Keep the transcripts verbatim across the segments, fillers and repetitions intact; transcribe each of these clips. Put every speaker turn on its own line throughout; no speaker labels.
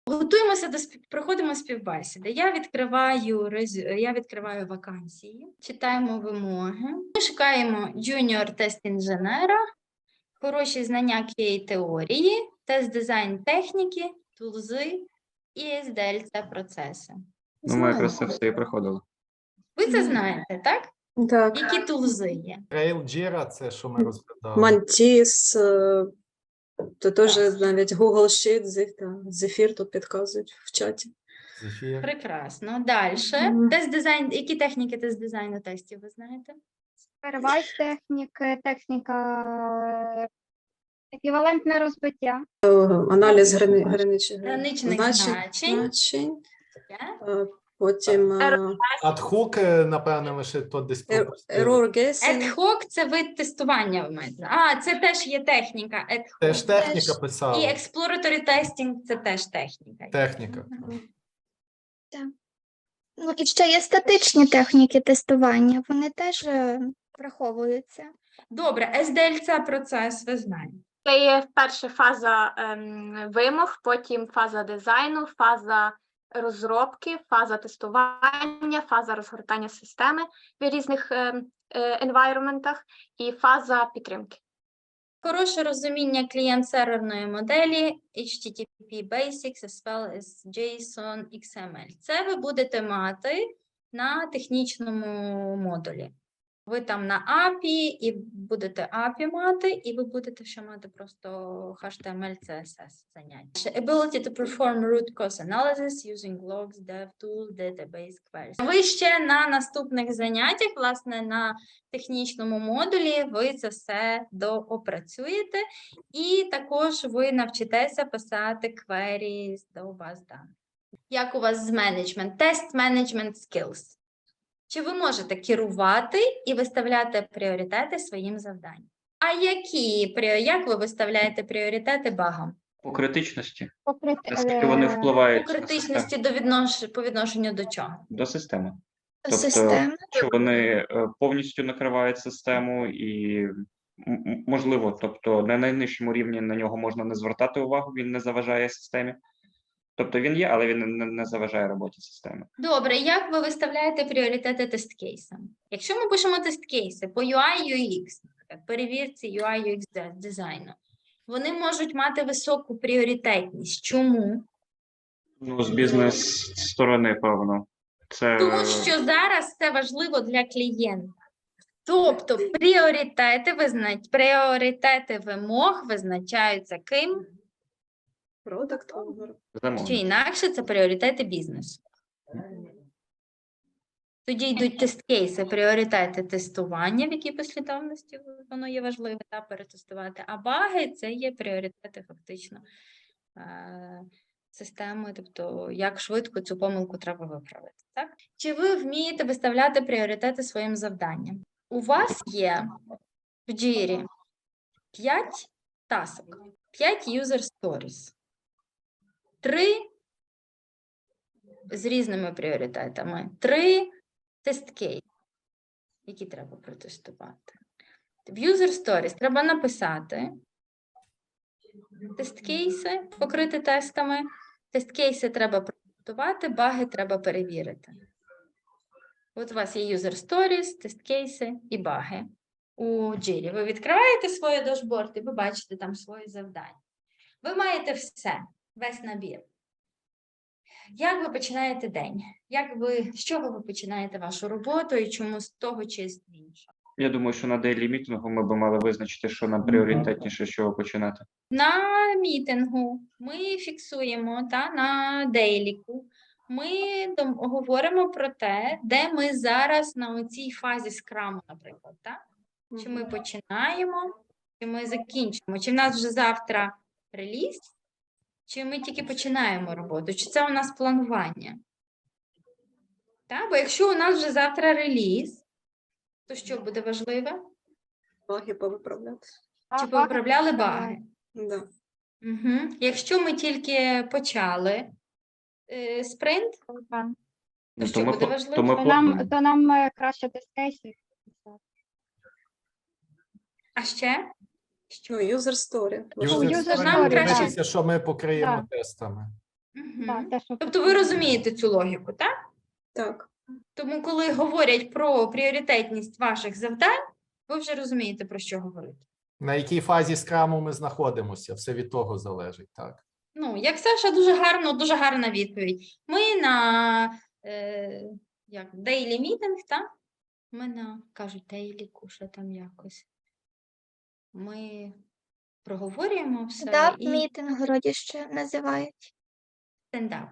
Готуємося до спів... проходимо співбесіди. Я відкриваю рез- я відкриваю вакансії, читаємо вимоги. Ми шукаємо junior тест-інженера, хороші знання кей теорії, тест-дизайн техніки, тулзи і ес ді ел це процеси.
Ну, ми якраз це все і проходили.
Ви це знаєте, так?
Так,
Які тулзи є?
Trail Jira – це що ми розглядали.
Mantis, е, то теж
Так.
навіть Google Sheet, Zephyr, та, Zephyr тут підказують в чаті.
Zephyr.
Прекрасно. Далі.
Мгм.
Тест-дизайн. Які техніки тест-дизайну тестів ви знаєте?
Перевайс техніки, техніка, е, еквівалентне розбиття.
Е, Аналіз грани, граничних
Граничних
значень.
значень.
значень.
Є?
Е, Потім е,
Адхук, е, напевне, лише то десь
er-
пропустили.
error guessing.
Ad-hoc – це вид тестування в мене. А, це теж є техніка. Ad hoc.
Теж техніка
І
писала.
exploratory testing – це теж техніка.
Техніка.
Ну і ще є статичні техніки тестування, вони теж е, враховуються.
Добре, ес ді ел – це процес, ви знаєте.
Це є перша фаза ем, вимог, потім фаза дизайну, фаза розробки, фаза тестування, фаза розгортання системи в різних ем, е, енвайроментах і фаза підтримки.
Хороше розуміння клієнт-серверної моделі, ейч ті ті пі Basics, as well as JSON, ікс ем ель. Це ви будете мати на технічному модулі. Ви там на ей пі ай і будете ей пі ай мати, і ви будете ще мати просто ейч ті ем ель, сі ес ес заняття. Ability to perform root cause analysis using logs, DevTools, database queries. Ви ще на наступних заняттях, власне, на технічному модулі ви це все доопрацюєте, і також ви навчитеся писати queries до баз даних. Як у вас з менеджмент? Тест менеджмент skills. Чи ви можете керувати і виставляти пріоритети своїм завданням? А які, пріо- як ви виставляєте пріоритети багам?
По критичності,
Покрити,
наскільки вони
е,
У
впливають на
критичності
систему,
до віднош... по відношенню до чого?
до системи.
до
Тобто,
системи.
що вони е, повністю накривають систему і, м- м- можливо, тобто на найнижчому рівні на нього можна не звертати увагу, він не заважає системі. Тобто він є, але він не, не заважає роботі системи.
Добре, як ви виставляєте пріоритети тест-кейсам? Якщо ми пишемо тест-кейси по ю ай ю екс, наприклад, перевірці ю ай ю екс де- дизайну, вони можуть мати високу пріоритетність. Чому?
Ну, з бізнес-сторони, певно. Це
Тому що зараз це важливо для клієнта. Тобто пріоритети визнач... пріоритети вимог визначаються ким?
Product owner.
Чи
замовник.
інакше це пріоритети бізнесу. Тоді йдуть тест-кейси, пріоритети тестування, в якій послідовності воно є важливе, та перетестувати. А баги – це є пріоритети фактично е, системи, тобто як швидко цю помилку треба виправити. Так? Чи ви вмієте виставляти пріоритети своїм завданням? У вас є в Jira п'ять тасок, п'ять user stories, три з різними пріоритетами, три тест-кейси, які треба протестувати. В user stories треба написати тест-кейси, покрити тестами, тест-кейси треба протестувати, баги треба перевірити. От у вас є user stories, тест-кейси і баги у Jira. Ви відкриваєте своє дашборд і ви бачите там свої завдання. Ви маєте все, весь набір. Як ви починаєте день? Як ви, з чого ви починаєте вашу роботу і чому з того чи з іншого?
Я думаю, що на дейлі мітингу ми б мали визначити, що нам пріоритетніше, з чого починати.
На мітингу ми фіксуємо та, на дейліку. Ми дом- говоримо про те, де ми зараз на цій фазі скраму, наприклад. Так? Чи ми починаємо, чи ми закінчимо, чи в нас вже завтра реліз, чи ми тільки починаємо роботу, чи це у нас планування. Так? Бо якщо у нас вже завтра реліз, то що буде важливе?
Баги повиправляти.
Чи повиправляли баги?
Да.
Угу. Якщо ми тільки почали е, спринт, то
Ну,
що
ми,
буде
пла-
важливо?
то ми
То
плануємо.
нам, то нам е, краще тест-кейси.
А ще?
Ну, user story.
User
user
story
нам
story,
краще-
дивитися, що ми покриємо
Да.
тестами.
Мгм.
Да, те, що
Тобто ви розумієте цю логіку, так?
Так.
Тому, коли говорять про пріоритетність ваших завдань, ви вже розумієте, про що говорити.
На якій фазі скраму ми знаходимося? Все від того залежить, так?
Ну, як Саша, дуже гарно, дуже гарна відповідь. Ми на е, як, daily meeting, так? Ми на, кажуть, daily, що там якось. Ми проговорюємо все
да,
і
мітинг вроді ще називають.
стендап.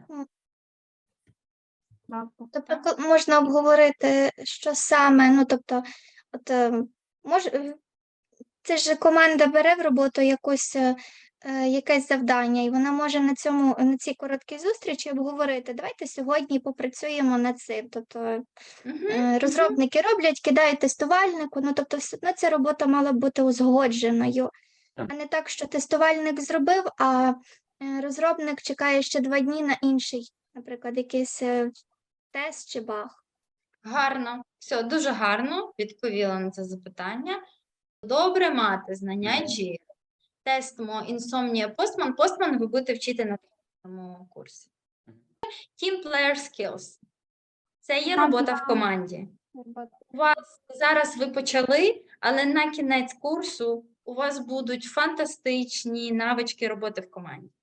Тобто
Так.
ко- можна обговорити, що саме, ну тобто, от е, мож, е, це ж команда бере в роботу якусь, е, е, якесь завдання, і вона може на цьому, на цій короткій зустрічі обговорити, давайте сьогодні попрацюємо над цим. Тобто
Мгм.
е, розробники роблять, кидають тестувальнику, ну тобто все одно ця робота мала б бути узгодженою,
Так.
а не так, що тестувальник зробив, а е, розробник чекає ще два дні на інший, наприклад, якийсь е, тест чи баг.
Гарно. Все, дуже гарно відповіла на це запитання. Добре мати знання Jira. Тестимо Insomnia Postman. Postman ви будете вчити на цьому курсі. Team Player Skills. Це є робота в команді. У вас зараз ви почали, але на кінець курсу у вас будуть фантастичні навички роботи в команді.